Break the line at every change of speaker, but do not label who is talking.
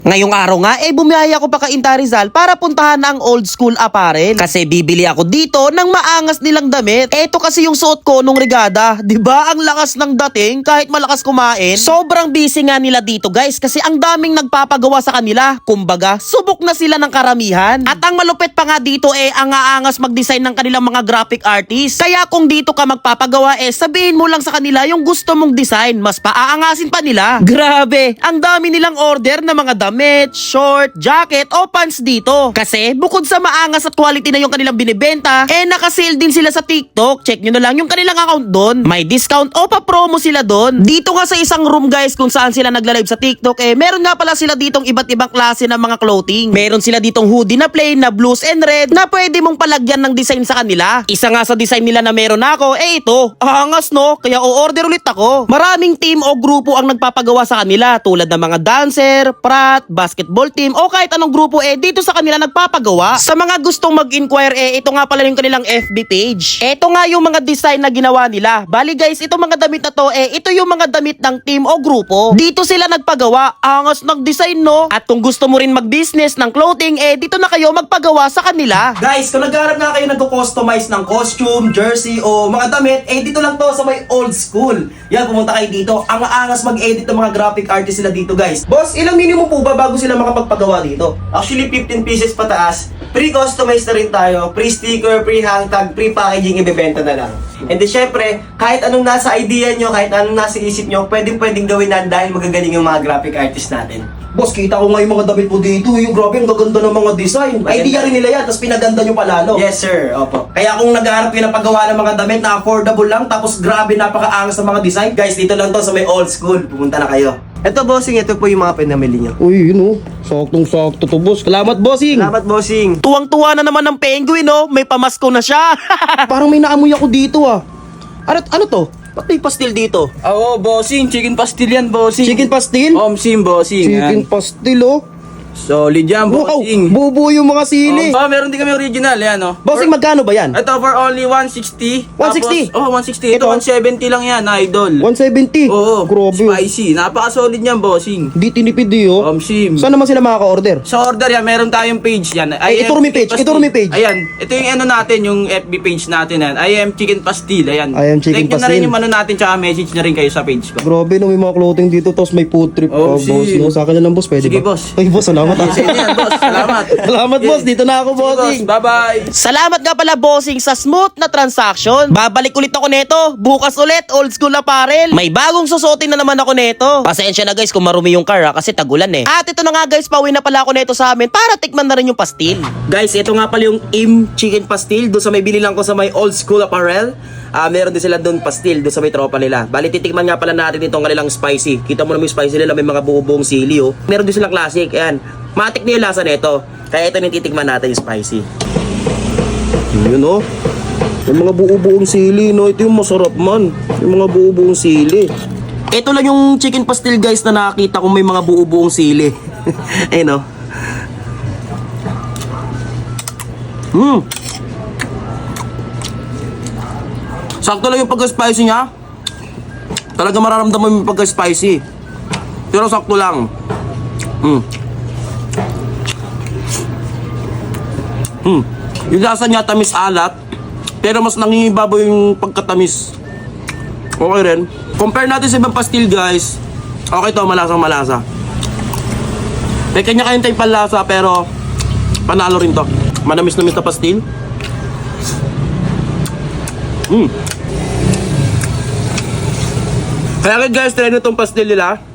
Ngayong araw nga, bumiyaya ako pa Cainta Rizal para puntahan ang Old School Apparel. Kasi bibili ako dito ng maangas nilang damit. Eto kasi yung suot ko nung regada. Diba ang lakas ng dating kahit malakas kumain? Sobrang busy nga nila dito guys kasi ang daming nagpapagawa sa kanila. Kumbaga, subok na sila ng karamihan. At ang malupit pa nga dito ang aangas mag-design ng kanilang mga graphic artist. Kaya kung dito ka magpapagawa sabihin mo lang sa kanila yung gusto mong design. Mas paaangasin pa nila. Grabe, ang dami nilang order na mga damit, short, jacket o pants dito. Kasi bukod sa maangas at quality na yung kanilang binibenta, nakasale din sila sa TikTok. Check nyo na lang yung kanilang account doon. May discount o pa-promo sila doon. Dito nga sa isang room guys kung saan sila nagla-live sa TikTok, meron nga pala sila ditong iba't ibang klase ng mga clothing. Meron sila ditong hoodie na plain na blues and red na pwede mong palagyan ng design sa kanila. Isa nga sa design nila na meron ako, ito. Angas no? Kaya o-order ulit ako. Maraming team o grupo ang nagpapagawa sa kanila tulad ng mga dancer, prat, basketball team o kahit anong grupo dito sa kanila nagpapagawa. Sa mga gustong mag-inquire ito nga pala yung kanilang FB page. Ito nga yung mga design na ginawa nila. Bali guys, itong mga damit na to ito yung mga damit ng team o grupo. Dito sila nagpagawa. Angas ng design no? At kung gusto mo rin mag-business ng clothing dito na kayo magpagawa sa kanila. Guys, kung naghahanap nga kayo nagko-customize ng costume, jersey o mga damit, dito lang to sa may Old School. Yan, pumunta kayo dito. Ang aangas mag-edit ng mga graphic artist sila dito guys. Boss, ilang minimum po ba bago sila makapagpagawa dito?
Actually, 15 pieces pataas. Pre-customize na rin tayo. Pre-sticker, pre-hang tag, pre-packaging, ibebenta na lang. And then, syempre, kahit anong nasa idea nyo, kahit anong nasa isip nyo, pwedeng gawin na dahil magagaling yung mga graphic artist natin.
Boss, kita ko nga yung mga damit mo dito. Yung grabe, ang gaganda ng mga design. Idea rin nila yan, tapos pinaganda nyo palalo.
Yes, sir. Opo.
Kaya kung naghahanap kayo ng paggawa ng mga damit na affordable lang, tapos grabe, napakaangas ng mga design.
Guys, dito lang to sa may Old School. Pumunta na kayo. Ito, bossing. Ito po yung mga pinamili nyo.
Uy, yun oh. Saktong-sakto to, boss. Salamat, bossing.
Salamat, bossing.
Tuwang-tuwa na naman ng penguin may pamasko na siya.
Parang may naamoy ako dito ah. Ano to? Ba't may pastil dito?
Oo, bossing. Chicken pastil yan, bossing.
Chicken pastil?
Omsim, bossing.
Chicken
Yan.
pastil oh.
Solid yan,
Wow,
bossing.
bubuo yung mga sili.
Meron din kami original, yan, oh.
Bossing, magkano ba yan?
Ito for only 160.
160?
Tapos, 160. Ito,
Ito?
170 lang yan, idol.
170?
Oo,
Grabe.
spicy. Napaka-solid yan, bossing.
Di tinipid oh.
Omsim.
Saan naman sila makaka-order?
Sa order yan, meron tayong page yan.
ituro mi page, ituro mi page.
Ayan, ito yung ano natin, yung FB page natin yan. I am Chicken Pastil, ayan.
I am Chicken
Like nyo na rin
Pastil.
yung ano natin, tsaka message na rin kayo sa page ko.
Grabe no, may mga clothing dito, tapos may food trip
Oh,
boss. No? Sa akin na lang, boss, pwede
Sige,
ba?
boss.
Ay, boss, salamat ah.
Sige yan, boss. Salamat.
Salamat, boss. Dito na ako,
Sige, boss.
bossing.
Bye-bye.
Salamat nga pala bossing sa smooth na transaction. Babalik ulit ako neto. Bukas ulit, Old School Apparel. May bagong susuotin na naman ako neto. Pasensya na guys kung marumi yung car kasi tagulan At ito na nga guys, pauwi na pala ako neto sa amin para tikman na rin yung pastil.
Guys, ito nga pala yung Chicken Pastil. Doon sa may binilang ko sa may Old School Apparel. Meron din sila doon pastil, doon sa may tropa nila. Bali, titikman nga pala natin itong kanilang spicy. Kita mo naman yung spicy nila, may mga buong sili Meron din silang classic, ayan. Matik na yung lasa nito. Kaya ito yung titikman natin yung spicy.
Yun oh. Yung mga buo-buong sili, no? Ito yung masarap man. Yung mga buo-buong sili.
Ito lang yung chicken pastil guys na nakakita kong may mga buong sili. Ayun oh.
Sakto lang yung pagka-spicy niya. Talaga mararamdaman mo yung pagka-spicy. Pero sakto lang. Yung lasa niya tamis alat, pero mas nangingibabaw yung pagkatamis. Okay rin. Compare natin sa ibang pastil guys. Okay to, malasang malasa. May kanya-kanya tayong panlasa pero panalo rin to. Manamis-namis na pastil. Kaya guys, try nyo itong pastil nila.